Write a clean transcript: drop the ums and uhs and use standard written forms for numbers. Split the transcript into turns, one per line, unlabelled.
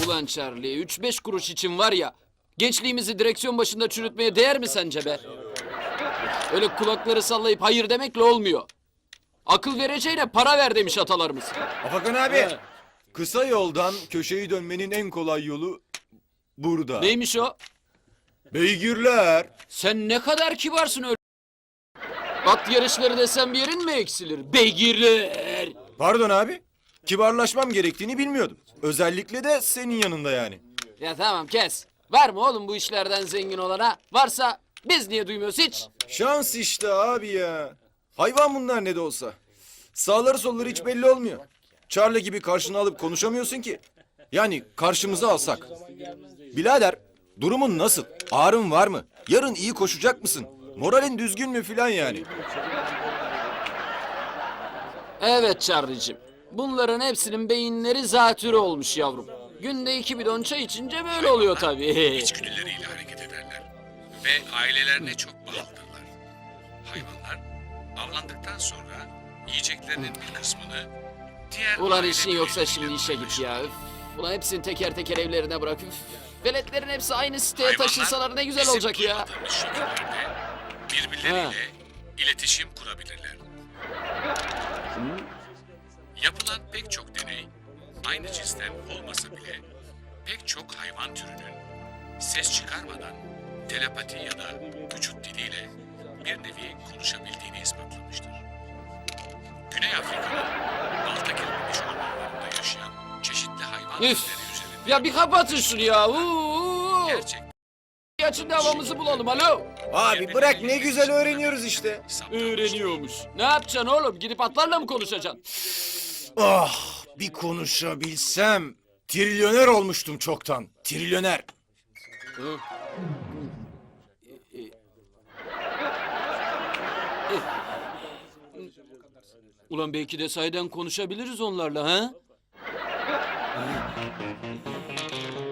Ulan Charlie, 3-5 kuruş için var ya, gençliğimizi direksiyon başında çürütmeye değer mi sence be? Öyle kulakları sallayıp hayır demekle olmuyor. Akıl vereceğine para ver demiş atalarımız.
Afakan abi. Kısa yoldan köşeyi dönmenin en kolay yolu burada.
Neymiş o?
Beygirler.
Sen ne kadar kibarsın öyle. At yarışları desem bir yerin mi eksilir? Beygirler.
Pardon abi. Kibarlaşmam gerektiğini bilmiyordum. Özellikle de senin yanında yani.
Ya tamam kes. Var mı oğlum bu işlerden zengin olana? Varsa biz niye duymuyoruz hiç?
Şans işte abi ya. Hayvan bunlar ne de olsa. Sağları solları hiç belli olmuyor. Charlie gibi karşına alıp konuşamıyorsun ki. Yani karşımıza alsak. Birader, durumun nasıl? Ağrın var mı? Yarın iyi koşacak mısın? Moralin düzgün mü filan yani?
Evet Charlie'cim. Bunların hepsinin beyinleri zatürre olmuş yavrum. Günde 2 bidon çay içince böyle oluyor tabii.
İçgüdüleriyle hareket ederler ve ailelerine çok bağlıdırlar. Hayvanlar avlandıktan sonra yiyeceklerinin bir kısmını diğer
Ulan
aile
işin yoksa
bireyleriyle
şimdi işe git ya.
paylaşırlar.
Üf. Ulan hepsini teker teker evlerine bırak. Üf. Veletlerin hepsi aynı siteye
Hayvanlar
taşınsalar ne güzel
bizim
olacak ya.
duymadığımız şekillerde birbirleriyle iletişim kurabilirler. Yapılan pek çok deney aynı cinsten olmasa bile pek çok hayvan türünün ses çıkarmadan telepati ya da vücut diliyle bir nevi konuşabildiğini ispatlamıştır. Güney Afrika'nın balta kesilmiş ormanlarında yaşayan çeşitli hayvan türleri
Üf.
üzerinde
Ya bir kapatın şunu ya. Uuu.
gerçek
Açın da havamızı bulalım alo.
Abi bırak ne güzel öğreniyoruz işte.
Öğreniyormuş. Ne yapacaksın oğlum? Gidip atlarla mı konuşacaksın?
Ah bir konuşabilsem. Trilyoner olmuştum çoktan. Trilyoner.
Ulan belki de sahiden konuşabiliriz onlarla ha?